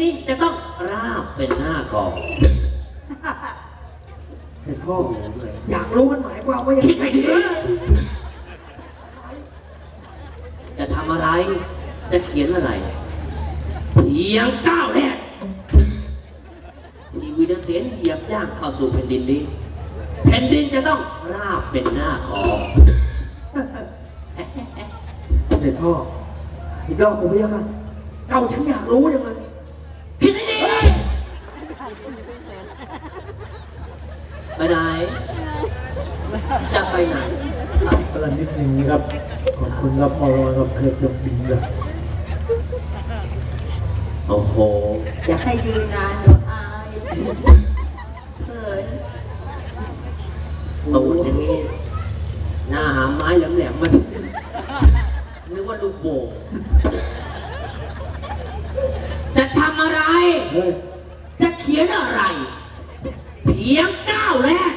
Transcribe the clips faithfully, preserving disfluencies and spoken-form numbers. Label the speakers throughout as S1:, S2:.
S1: นี้จะต้องราบเป็นหน้ากอง
S2: เด็กพ่ออยากรู้มันหมายความว่ายัง
S1: คิด
S2: ไง
S1: ให้ดีจะทำอะไรจะเขียนอะไรเพียงก้าวแรกที่วิญญาณเสียนเหยียบย่างเข้าสู่แผ่นดินนี้แผ่นดินจะต้องราบเป็นหน้ากอง
S2: เด็กพ่ออีกรอบผมไม่ยังค่ะเก่าฉันอยากรู้ยังไง
S1: คิดให้ดีไปไหนจะไปไหน
S2: กำลังนิดนึงนะครับขอบคุณครับมอรกับเครือดอกบินครับ
S1: โอ้โห
S3: อย่าให้ยืนนานเดี๋ยวอายเขิน
S1: ตูดอย่างนี้หน้าหาไม้แหลมๆมานึกว่าลูกโป่งจะทำอะไร
S2: เฮ้ย
S1: จะเขียนอะไร เพียงก้าวแรก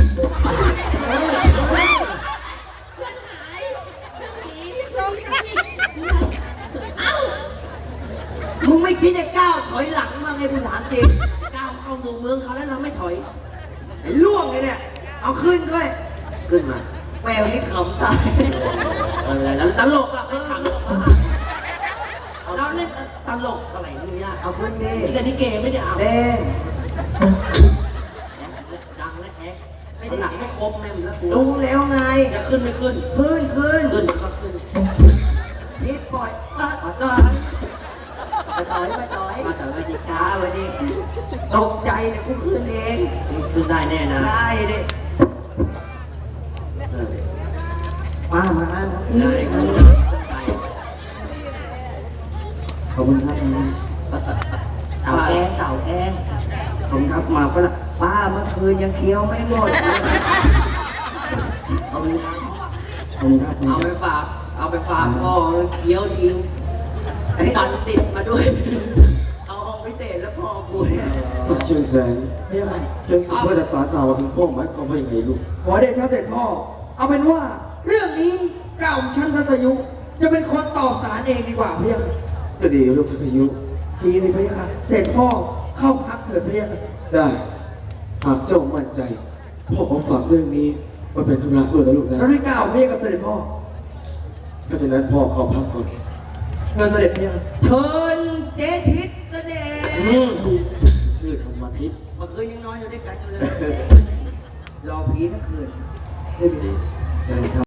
S3: มึงไม่คิดจะก้าวถอยหลังมาไงกูถามจริง
S1: ก้าวเข้าสู่เมืองเขาแล้วเราไม่ถอย
S3: ไอ้ล่วงเลยเนี่ย เอาขึ้นด้วย
S1: ขึ้นมา
S3: แมวนี่ขำตาย
S1: อะไรแล้วตลกอ่ะไม่ขังเราเล่นตลกอะไรนี่ยาก
S3: เอาขึ้นดิ
S1: นี่แต่นี่เกไม่ได้เอา
S3: เด้ง
S1: ดังและแอ๊กไม่ได้หลังไม่ครบแม่งแล้วกู
S3: ดูแล้วไง
S1: จะขึ้นไม่ขึ้น
S3: ขึ้นขึ้น
S1: ขึ้นก็ขึ้น
S3: นิดปล่อยอ่ะ
S1: มาต่อ
S3: ไปต่อยไปต่อย
S1: มาต่อมาดี
S3: ช้าวันนี้ตกใจเนี่ยกูขึ้นเอง
S1: ขึ้นได้แน่นะ
S3: ได้ดิ
S1: เออ
S3: มามามา
S1: ได้ขึ้นได้
S2: ขอบคุณครับ
S3: เต่าแกงเต่าแกงผมครับมาฝรั่งป้าเมื่อคืนยังเคี้ยวไม่หมด
S1: เอาไป
S2: ขอบคุณครับ
S1: เอาไปฝากเอาไปฝากพ่อเคี้ยวทิ้งไอ้ตันติดมาด้วย
S3: เอาออกพิเศษแล้วพอกูเนี่ย
S4: เชียงแสง
S2: ไม่ยังไง
S4: เชียงแสงว่าจะสารกล่าวว่าถึงพ่อหมายความว่ายังไงลูก
S2: ขอเดชะเด็กพ่อ เอาเป็นว่า เรื่องนี้เก่าชั้นทัศยุ จะเป็นคนตอบสารเองดีกว่าเพียง
S4: จะดีลูกทัศยุ
S2: ดีเลยพี่ค่ะเสร็จพ่อเข้าพักเถิดพี่ค่ะ
S4: ได้หากเจ้ามั่นใจ พ่อขอฝากเรื่องนี้มาเป็นธุระด้วยนะลูกนะ
S2: แล้วได้กล่าวพี่กับเสด็จพ่อ
S4: ถ้าฉะนั้นพ่อเข้าพักก่อน
S2: เงินเสด็จพี่ค่ะ
S3: เชิญเจ๊ทิศเสด็จ
S1: อืม
S4: ชื่อธรรมทิพย์
S3: เมื่อคืนยังนอนอยู่ด้วยกันอยู่เลย รอผีทั้งคืน
S2: ไม่มี
S4: ได้ครับ